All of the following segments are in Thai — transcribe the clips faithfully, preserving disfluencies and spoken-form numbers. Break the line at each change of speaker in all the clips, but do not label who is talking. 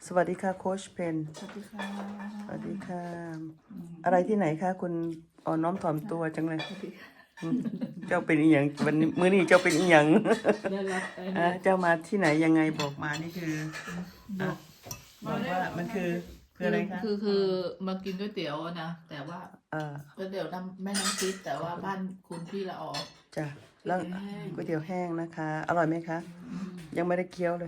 สวัสดีค่ะโค้ชเพน
สวัสดีค่ะ
สวัสดีค่ะ อะไรที่ไหนคะคุณอ่อนน้อมถ่อมตัวจังเลยเจ้าเป็นอีหยังวันนี้มื้อนี้เจ้าเป็นอีหยัง
ได้รับไอ้
อ่ะ
นี่
เจ้ามาที่ไหนยังไงบอกมานี่คืออ่ะบอกว่ามันคือคืออะไรคะ
คือคือมากินก๋วยเตี๋ยวอะนะแต่ว่า
เอ่อ
ก๋วยเตี๋ยวน้ำแม่น้ำทิพย์แต่ว่าบ้านคุณพี่ละออ
จ้ะแล้ว
ก๋วยเตี๋ยวแห้ง
ก๋วยเตี๋ยวแห้งนะคะ อร่อยไหมคะ ยังไม่ได้เคี้ยวเลย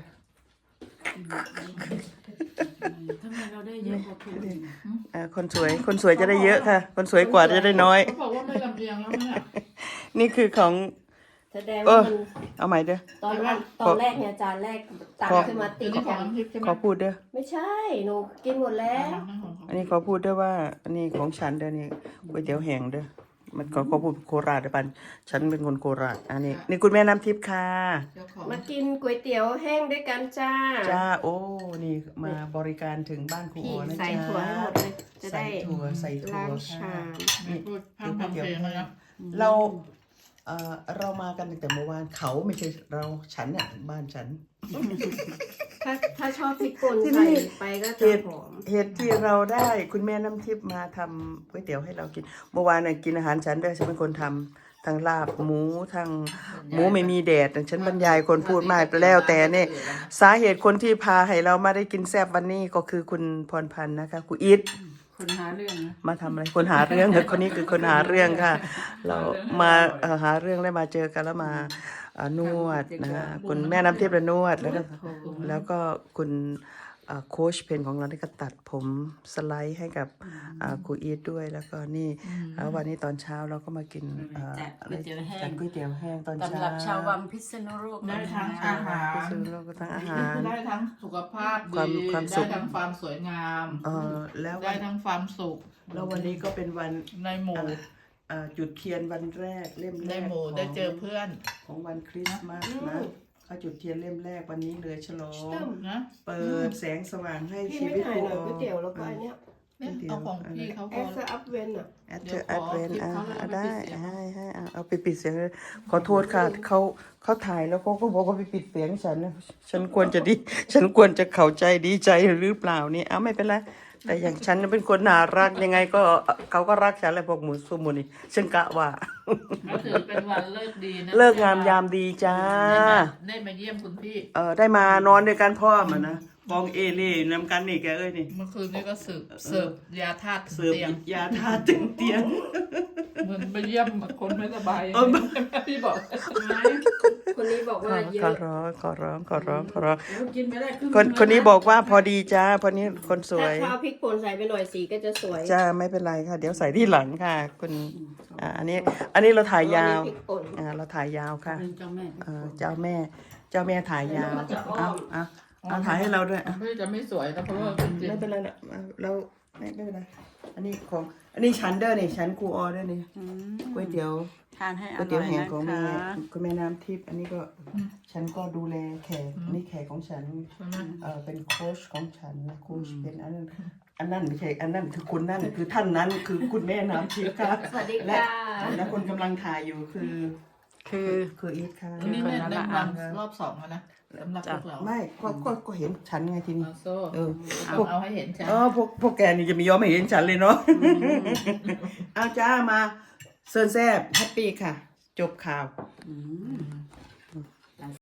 ทำไมเราได้เยอะกว่าคนอื่น
อ่ะคนสวยคนสวยจะได้เยอะค่ะ คนสวยกว่าจะได้น้อย
เขาบอกว่าไม่ลำเอียงแล้วเนี่ย
นี่คือของ
แสดง
เอ
ว่า
อ
มัน
เอาใหม่เด้อ
ตอนแรกตอนแรกเนี่ยจานแรกตักขึ้นมาติ
เดี๋ย
ด
วนี้ของ
กัน
น้ำทิพย์ใช่ไหม
ขอพูดเด้อ
ไม่ใช่ หนูกินหมดแล้ว
อันนี้ขอพูดด้วยว่า อันนี้ของฉันเด้อนี่ก๋วยเตี๋ยวแห้งเด้อมันขอขอพูดโคราชเด้อปันฉันเป็นคนโคราชอันนี้นี่คุณแม่น้ำทิพย์ค่ะ
เจ้าของ
มากินก๋วยเตี๋ยวแห้งด้วยกันจ้า
จ้าโอ้นี่มาบริการถึงบ้านครู
พี่
อ๋อนะ
ใส่
จ๊ะ
ถั่วให้หมดเลย จะ
ใส่
ได้
ถั่วใส่ถั่ว
ล้าง
ค่ะ
ชาม
ไม่พูดพร่ำทำเพลงเลยนะ
เราเอ่อเรามากันตั้งแต่เมื่อวานเขาไม่ใช่เราฉันเนี่ยบ้านฉัน
ถ้าถ้าชอบพริกป่น
ที่
ใส่
นี่
ไปก็
เห
จะ
ตุ
หอม
เหตุที่เราได้คุณแม่น้ำทิพย์มาทำก๋วยเตี๋ยวให้เรากิน เมื่อวานน่ะกินอาหารฉันด้วยฉันเป็นคนทำทั้งลาบหมูทั้งหมูไม่มีแดดฉันบรรยายคนพูดมากแล้วแต่เนี่ยสาเหตุคนที่พาให้เรามาได้กินแซ่บวันนี้ก็คือคุณพรพันธ์นะคะคุณอิท
คนหาเรื่องนะ
มาทำอะไรคนหาเรื่องคนนี้คือคนหาเรื่องค่ะ เรามาเอ่อหาเรื่องได้มาเจอกันแล้วมาเอ่อนวดนะคุณแม่น้ำทิพย์ละนวดแล้วก็แล้วก็คุณเอ่อโค้ชเพนของเราที่ก็ตัดผมสไลด์ให้กับอ่าครูอีทด้วยแล้วก็นี่แล้ววันนี้ตอนเช้าเราก็มากินเอ่อ
จัดก๋วยเตี๋ยวแห้
จั
ง
ดก๋วยเตี๋ยวแห้งตอนเช้า
สำหรับชาววังพิษณุโลก
ได้ทั้งอาหาร
ซื้อแล้วก็ทั้งอาหาร
ได้ทั้งสุขภาพ
ความ
ดี
ความสุ
ได้
ข
ทั้งความสวยงาม
เอ่อแล้ว
ได้
วัน
ทั้งความสุข
แล้ววันนี้ก็เป็นวัน
ในหมู่
เอ่อจุดเทียนวันแรกเล่มแร
ใน
ก
หมู่
ของ
ได้เจอเพื่อน
ของวันคริสต์มาสนะเขาจุดเทียนเล่มแรกวันนี้เลยฉลอง
นะ
เปิดแสงสว่างให้
พี่
ชี
ไม่
วิต
ถ่ายหน่อย
ค
ก๋วยเตี๋ยวแล้วก็อันเนี้ย
เนี่ยเอาของพี่เขา
แอ
ก็
สอัพเวนอ่ะ
แอด
เดี๋
เธ
ย
อ
ว
แอดเวน
ขอ
อ่ะ
คลิปเขาแล้ว
อ่ะ
เอาไป
ได้
ปิดเสียง
ให้ให้อ่ะเอาไปปิดเสียงเลยขอโทษค่ะเขาเขาถ่ายแล้วเขาก็บอกว่าไปปิดเสียงฉันนะฉันควรจะดี ฉันควรจะเข้าใจดีใจหรือเปล่านี่เอาไม่เป็นไรแต่อย่างฉันเป็นคนน่ารักยังไงก็เขาก็รักฉันแหละพวกหมูสุมูนี่ฉันกะว่า
ก็ถือเป็นวันเลิกดีนะ
เลิกงามยามดีจ้า
ได้มาเยี่ยมคุณพี่
เออได้มานอนด้วยกันพ่อมานะบองเอเล่นำกันนี่แกเอ้ยนี่
เมื่อคืนนี้ก็สืบเสิร์ฟยาธาตุ
เสิร์ฟ
เตียง
ยาทาตึงเตียง
เหมือนไปเยี่ยมคนไม่สบาย
เออ
พี่บอก
คนนี้บอกว่าเย
ขอ
อะ
ร้องขอร้องขอร้องขอร้อง
กินไม่ได้ครึ่ง
คนคนนี้บอกว่าพอดีจ้าพอนี้คนสว
ถ้าย ข้าวพริกป่นใส่ไปหน่อยสีก็จะสวย
จ้าไม่เป็นไรค่ะ เดี๋ยวใส่ที่หลังค่ะ คุณอ่าอันนี้ อันนี้เราถ่ายยาว
พริกป่น
อ่าเราถ่ายยาวค่ะ
เป็นเจ้าแม่
เออเจ้าแม่ เจ้าแม่ถ่ายยาวเอาเอาเอาถ่ายให้เราด้วยอ่ะ
ไม่จะไม่สวยนะเพราะว่าจริง
ไม่เป็นไรนะเอาเราไม่ไม่เป็นไรอันนี้ของ อันนี้ฉันเด้อนี่ฉันครูออเด้อนี่ก๋วยเตี๋ยว
ทานให้อ
ก๋วยเตี๋
ร่
ยว
อย
แห้ง
นะ
ของ
ค
แม่
ะ
คุณแม่น้ำทิพย์อันนี้ก็ฉันก็ดูแลแขกอันนี้แขกของฉัน
ๆใช่ไหม
เออเป็นโค้ชของฉันนะโค้ชเป็นอันนั้นอันนั้นไม่ใช่อันนั้นคือคุณนั่นคือท่านนั้นคือคุณแม่น้ำทิพย์ค่ะ
สวัสดี
และ
ค่ะ
และคนกำลังถ่ายอยู่คือ
คือ
คืออีทค่ะ
อันนี้เนี่ยได้วันรอบสองแล้วนะสำหรับพวกเรา
ไม่ก็ก็ก็เห็นฉันไงทีนี้
เอาโซ่
เออ
เอา
พวก
เอาให้เห็นชัด
เออพวกพวกแกนี่จะไม่ยอมให้เห็นฉันเลยเนาะเอาจ้ามาเซิร์นแซบแฮปปี้ค่ะ จบข่าว